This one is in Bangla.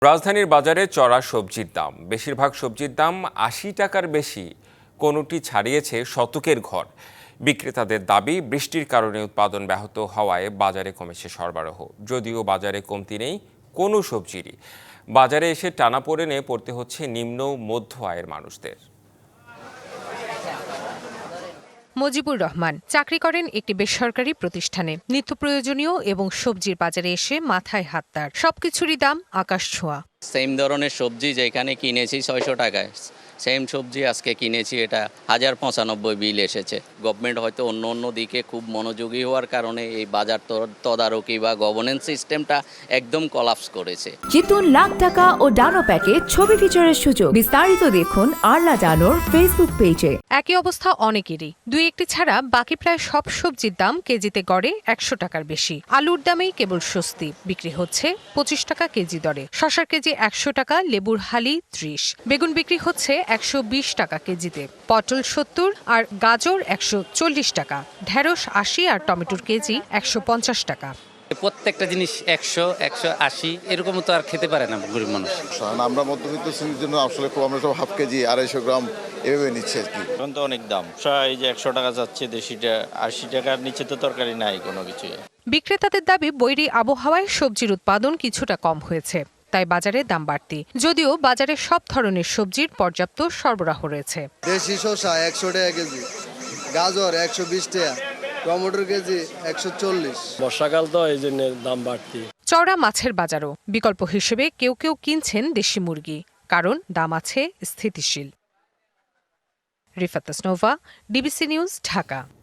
রাজধানীর বাজারে চড়া সবজির দাম, বেশিরভাগ সবজির দাম ৮০ টাকার বেশি, কোনোটি ছাড়িয়েছে শতকের ঘর। বিক্রেতাদের দাবি, বৃষ্টির কারণে উৎপাদন ব্যাহত হওয়ায় বাজারে কমেছে সরবরাহ। যদিও বাজারে কমতি নেই কোনো সবজিরই। বাজারে এসে টানাপোড়েনে পড়তে হচ্ছে নিম্ন মধ্য আয়ের মানুষদের। মজিবুর রহমান চাকরি করেন একটি বেসরকারি প্রতিষ্ঠানে। নিত্য প্রয়োজনীয় এবং সবজির বাজারে এসে মাথায় হাত তার। সবকিছুরই দাম আকাশ ছোঁয়া। সেম ধরনের সবজি যেখানে কিনেছি ৬০০ টাকায়, সেম সবজি আজকে কিনেছি এটা ১০৯৫ বিল এসেছে। গভর্নমেন্ট হয়তো অন্য দিকে খুব মনোযোগী হওয়ার কারণে এই বাজার তদারকি বা গভর্নেন্স সিস্টেমটা একদম কলাপস করেছে। জিতুন লাখ টাকা ও ডানো প্যাকে ছবি ফিচারের সুযোগ। বিস্তারিত দেখুন আরলা ডানোর ফেসবুক পেজে। একই অবস্থা অনেকেরই। দুই একটি ছাড়া বাকি প্রায় সব সবজির দাম কেজিতে গড়ে ১০০ টাকার বেশি। আলুর দামেই কেবল স্বস্তি, বিক্রি হচ্ছে ২৫ টাকা কেজি দরে। শসার কেজি ১০০ টাকা, লেবুর হালি ৩০। বেগুন বিক্রি হচ্ছে ১২০ টাকা কেজিতে, পটল ৭০ আর গাজর ১৪০ টাকা, ঢেঁড়স ৮০ আর টমেটোর কেজি ১৫০ টাকা। প্রত্যেকটা জিনিস ১০০, ১৮০ এরকম তো আর খেতে পারে না গরিব মানুষ। আমরা মধ্যবিত্ত শ্রেণীর জন্য আসলে আমরা সব হাফ কেজি ২৫০ গ্রাম এভাবে নিচ্ছি আর কি। এখন তো অনেক দাম, এই যে ১০০ টাকা যাচ্ছে, দেশিটা ৮০ টাকার নিচে তো তরকারি নাই কোনো কিছু। বিক্রেতাদের দাবি, বৈরী আবহাওয়ায় সবজির উৎপাদন কিছুটা কম হয়েছে, তাই বাজারে দাম বাড়তি। যদিও বাজারে সব ধরনের সবজির পর্যাপ্ত সরবরাহ রয়েছে। দেশি শসা ১০০ টাকা কেজি, গাজর ১২০ টাকা, টমেটোর কেজি ১৪০। বর্ষাকাল তো এই জন্য দাম বাড়তি। চওড়া মাছের বাজারও বিকল্প হিসেবে কেউ কেউ কিনছেন দেশি মুরগি, কারণ দাম আছে স্থিতিশীল। Rifat Tasnova, DBC news, Dhaka.